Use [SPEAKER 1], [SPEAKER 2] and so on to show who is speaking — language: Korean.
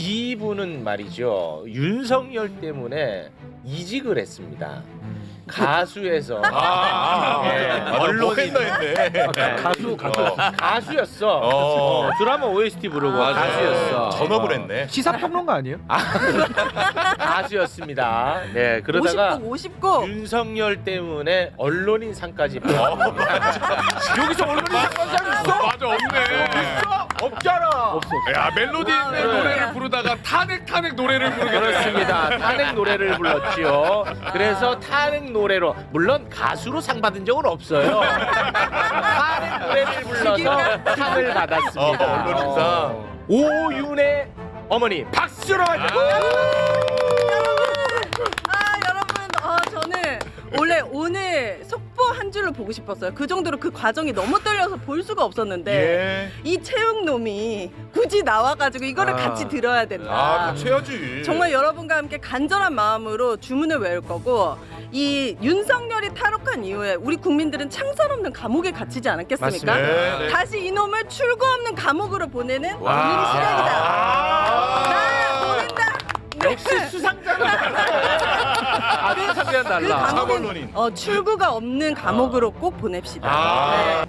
[SPEAKER 1] 이분은 말이죠. 윤석열 때문에 이직을 했습니다. 가수에서
[SPEAKER 2] 언론인 했네.
[SPEAKER 1] 가수였어. 드라마 OST 부르고
[SPEAKER 2] 맞아.
[SPEAKER 1] 가수였어.
[SPEAKER 2] 전업을 했네.
[SPEAKER 3] 시사평론가 아니에요?
[SPEAKER 1] 가수였습니다. 네, 그러다가
[SPEAKER 4] 50곡.
[SPEAKER 1] 윤석열 때문에 언론인 상까지 여기서 언론인 상까지 있어?
[SPEAKER 2] 맞아, 없네.
[SPEAKER 1] 없잖아. 없어.
[SPEAKER 2] 야, 멜로디 있는 노래를 부르다가 탄핵 노래를 부르게
[SPEAKER 1] 그렇습니다. 탄핵 노래를 불렀지요. 그래서 탄핵 노래로 물론 가수로 상 받은 적은 없어요. 탄핵 노래를 불러서 상을 받았습니다.
[SPEAKER 2] 언론인상.
[SPEAKER 1] 오윤의 어머니 박수로 맞고.
[SPEAKER 4] 여러분, 저는 원래 오늘 속보 한 줄로 보고 싶었어요. 그 정도로 그 과정이 너무 떨려서 볼 수가 없었는데
[SPEAKER 2] 예.
[SPEAKER 4] 이 채용놈이 굳이 나와가지고 이거를 같이 들어야 된다.
[SPEAKER 2] 같이 해야지.
[SPEAKER 4] 정말 여러분과 함께 간절한 마음으로 주문을 외울 거고, 이 윤석열이 탈옥한 이후에 우리 국민들은 창살 없는 감옥에 갇히지 않았겠습니까?
[SPEAKER 2] 맞습니다. 네.
[SPEAKER 4] 다시 이놈을 출구 없는 감옥으로 보내는 일이
[SPEAKER 1] 와.
[SPEAKER 4] 시작이다. 나 보낸다.
[SPEAKER 1] 역시 수상자는 아주 상대한
[SPEAKER 4] 그
[SPEAKER 1] 달라.
[SPEAKER 4] 감옥은
[SPEAKER 2] 언론인.
[SPEAKER 4] 출구가 없는 감옥으로 꼭 보냅시다.
[SPEAKER 1] 아.
[SPEAKER 4] 네.